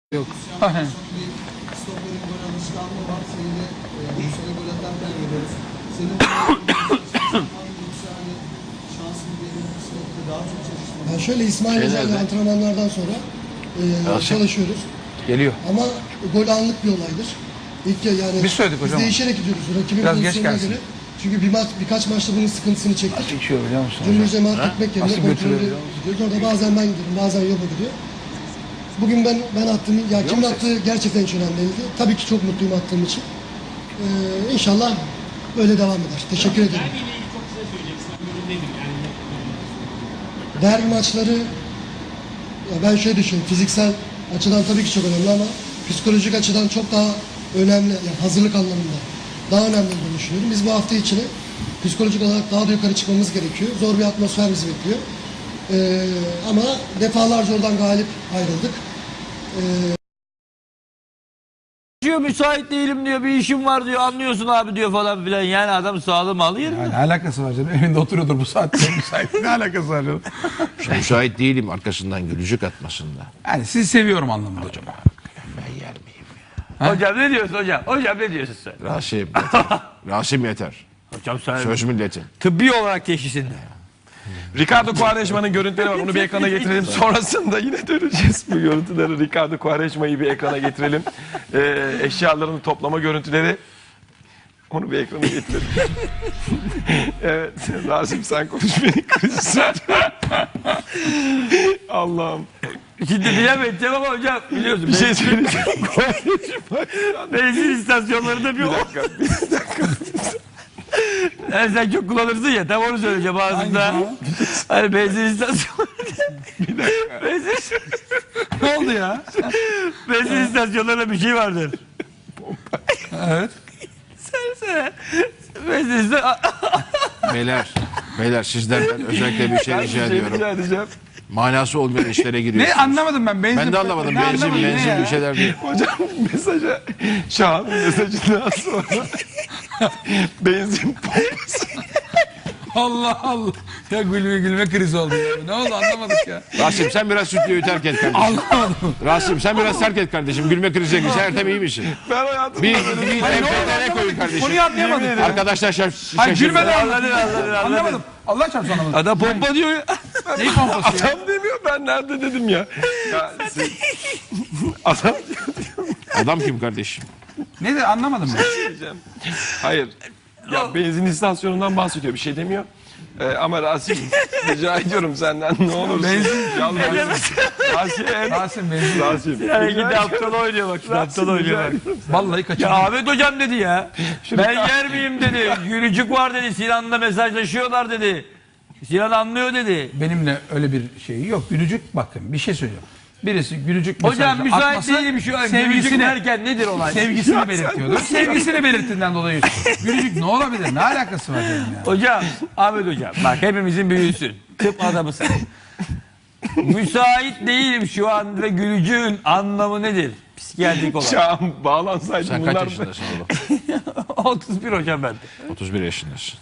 Yok. Aynen. Stoper'in gol alışkanlığı var. Seni de bu sene gol atarken görüyoruz. Senin şansın diyelim daha çok çalışmak. Yani şöyle İsmail Özel'le antrenmanlardan sonra çalışıyoruz. Geliyor. Ama gol anlık bir olaydır. İlk yani Biz söyledik hocam. Biz değişerek gidiyoruz. Rakibin Biraz geç pozisyonuna gelsin. göre. Çünkü birkaç maçta bunun sıkıntısını çektik. Nasıl içiyor biliyor musun hocam? Dümdüz cemaat gitmek yerine Nasıl kontrollü götürüyor? gidiyoruz. Orada bazen ben gidiyorum, bazen Yobo gidiyor. Bugün ben attım. Ya kimin attığı gerçekten hiç önemli değildi. Tabii ki çok mutluyum attığım için. İnşallah böyle devam eder. Teşekkür ederim. Derbiyle ilgili çok kısa söyleyeceksin. Ben yorumdaydım yani. Derbi maçları ya ben şöyle düşünüyorum. Fiziksel açıdan tabii ki çok önemli ama psikolojik açıdan çok daha önemli. Yani hazırlık anlamında daha önemli olduğunu düşünüyorum. Biz bu hafta içine psikolojik olarak daha da yukarı çıkmamız gerekiyor. Zor bir atmosfer bizi bekliyor. Ama defalarca oradan galip ayrıldık. Diyor müsait değilim diyor, bir işim var diyor, anlıyorsun abi diyor falan filan. Yani adam sağlığı malı yerinde. Yani ne alakası var canım? Evinde oturuyordur bu saatte müsait. Ne alakası var canım? Müsait değilim arkasından gülücük atmasında. Yani sizi seviyorum anlamında hocam. Ben yer miyim ya? Hocam ne diyorsun hocam? Hocam ne diyorsun sen? Rasim yeter. Rasim yeter. Hocam sen Söz milletin. tıbbi olarak teşhisinde. Ricardo Quaresma'nın görüntüleri var. Onu bir ekrana getirelim. Sonrasında yine döneceğiz bu görüntüleri. Ricardo Quaresma'yı bir ekrana getirelim. Eşyalarını toplama görüntüleri. Onu bir ekrana getirelim. Evet. Rasim sen konuş beni kriz. Allah'ım. Şimdi bilemeyeceğim ama hocam biliyorsun. Bir şey söyleyeceğim. Benzin istasyonlarında bir dakika. Yani sen çok kullanırsın ya, tam onu söyleyeceğim ağzında. Hani benzin istasyonlarında. Bir dakika. Ne oldu ya? Benzin istasyonlarında bir şey vardır. Evet. Söylesene. Benzin istasyonlarında. Beyler sizden ben özellikle bir şey rica ediyorum. Rica edeceğim. Manası olmayan işlere Ne giriyorsunuz. anlamadım ben. Benzin, Ben de anlamadım. Ne Benzin anlamadım, ne ya? bir şeyler değil. Hocam mesaja Şahan'ın mesajından sonra benzin pompası. Allah Allah. Ya gülme krizi oldu ya. Ne oldu anlamadık ya. Rasim sen biraz stüdyoyu terk et kardeşim. Anlamadım. Rasim sen biraz terk et kardeşim. Gülme krize girse Ertem iyi misin? Ben hayatımda Bir Hayır, ne oldu TRT koyun anlamadık. kardeşim. Konuyu anlayamadık. Arkadaşlar Hayır gülmeden Anladın. anlamadım. Allah çarpsın anlamadım. Adam pompa diyor ya. Neyi pompası ya? Adam demiyor, ben nerede dedim ya. Adam Adam kim kardeşim? Ne de anlamadım ben. diyeceğim. Hayır. Ya benzin istasyonundan bahsediyor, bir şey demiyor. Ama Rasim rica ediyorum senden ne olursun. Yalvarırım. Rasim benzin. Rasim. Yani gidi aptal oynuyor bak. Şimdi aptal oynuyor bak. Vallahi Ya kaçırdım. Ahmet hocam dedi ya. Ben yer miyim dedi. Gülücük var dedi. Sinan'la mesajlaşıyorlar dedi. Sinan anlıyor dedi. Benimle öyle bir şey yok. Gülücük bakın bir şey söylüyorum. Birisi gülücük Hocam mesajı müsait atması, değilim şu an. Gülücük sevgisini, derken nedir olay? sevgisini belirtiyordur. Sevgisini belirttiğinden dolayı gülücük ne olabilir? Ne alakası var benim ya? Hocam, Ahmet hocam bak hepimizin büyüğüsün. Tıp adamısın. Müsait değilim şu an ve gülücüğün anlamı nedir? Psikiyatrik olarak. Şahan bağlansaydı Sen bunlar kaç yaşındasın oğlum? 31 hocam ben. 31 yaşındasın.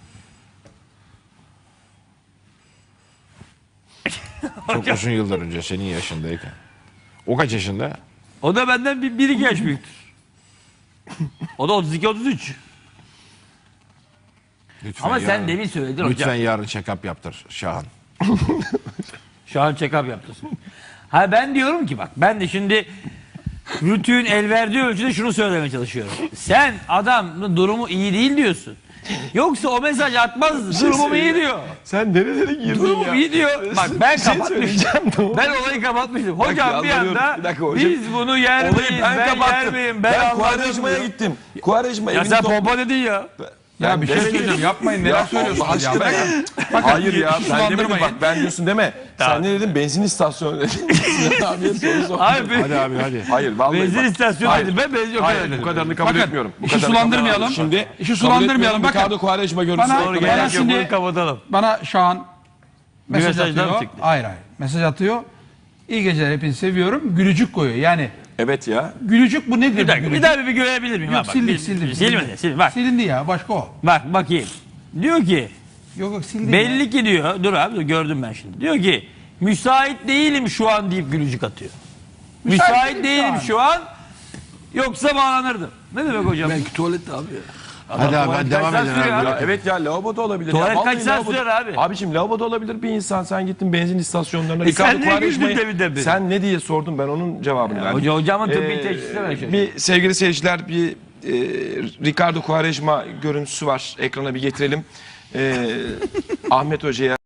Çok uzun yıllar önce senin yaşındayken. O kaç yaşında? O da benden bir iki yaş büyüktür. O da 32-33. Lütfen Ama sen yarın- demin söyledin Lütfen hocam. yarın check-up yaptır Şahan. Şu an check-up yaptın. Ha ben diyorum ki bak ben de şimdi rütüğün el verdiği ölçüde şunu söylemeye çalışıyorum. Sen adamın durumu iyi değil diyorsun. Yoksa o mesaj atmaz. Durumum iyi diyor. Sen nerelere girdin Durumum ya? iyi diyor. Bak ben Bir şey kapatmıştım. söyleyeceğim, ne oldu? Ben olayı kapatmıştım. Hocam bir yalvarıyorum. anda Bir dakika hocam. biz bunu yer Olayı miyiz? ben Ben yer kapattım. miyim? Ben anladım Quaresma'ya diyor. gittim. Quaresma Ya evini sen pompa dedin ya. Ya bir şey demedim. söyleyeceğim yapmayın neler Ya söylüyorsunuz Allah ya. aşkına ya. Bakın, Hayır ya ben demedim sulandırmayın. bak ben diyorsun deme. Tamam. Sen ne dedin benzin istasyonu dedin. Sinan abiye soru sor. Hayır, Hadi abi hadi. Hayır vallahi benzin bak. istasyonu Hayır. dedim. Ben benzin yok Hayır dedim. bu kadarını kabul Bakın, etmiyorum. Bu işi kadarını sulandırmayalım. kabul etmiyorum. Şimdi İşi sulandırmayalım, bakın. Ricardo Quaresma görüntüsü. Bana- Doğru Bana gerek yok. şimdi- Bunu kapatalım. Bana Şahan mesaj mesajdan atıyor. çıktı. Hayır. Mesaj atıyor. İyi geceler hepinizi seviyorum. Gülücük koyuyor. Yani Evet ya. gülücük bu nedir? Bir dakika gülücük? bir daha bir görebilir miyim? Yok Ha, bak, sildik bir- sildik. Silmedi. Silmedi. Bak. Silindi ya başka o. Bak bakayım. Diyor ki Yok sildi. belli ki diyor. Dur abi dur, gördüm ben şimdi. Diyor ki müsait değilim şu an deyip gülücük atıyor. Müsait değilim şu an. Yoksa bağlanırdım. Ne demek hocam? Belki tuvalette abi ya. Hadi abi hadi devam kaç edin saat sürüyor abi. Ya evet ya lavaboda olabilir. Tuvalet ya. kaç Vallahi saat lavaboda- sürer abi? Abiciğim lavaboda olabilir bir insan. Sen gittin benzin istasyonlarına. sen Ricardo niye Quaresma'yı- güldün demin? Sen ne diye sordun ben onun cevabını verdim. Hocamın tıbbi teşhisine ben şaşırdım. Bir sevgili seyirciler bir Ricardo Quaresma görüntüsü var. Ekrana bir getirelim. Ahmet Hoca'ya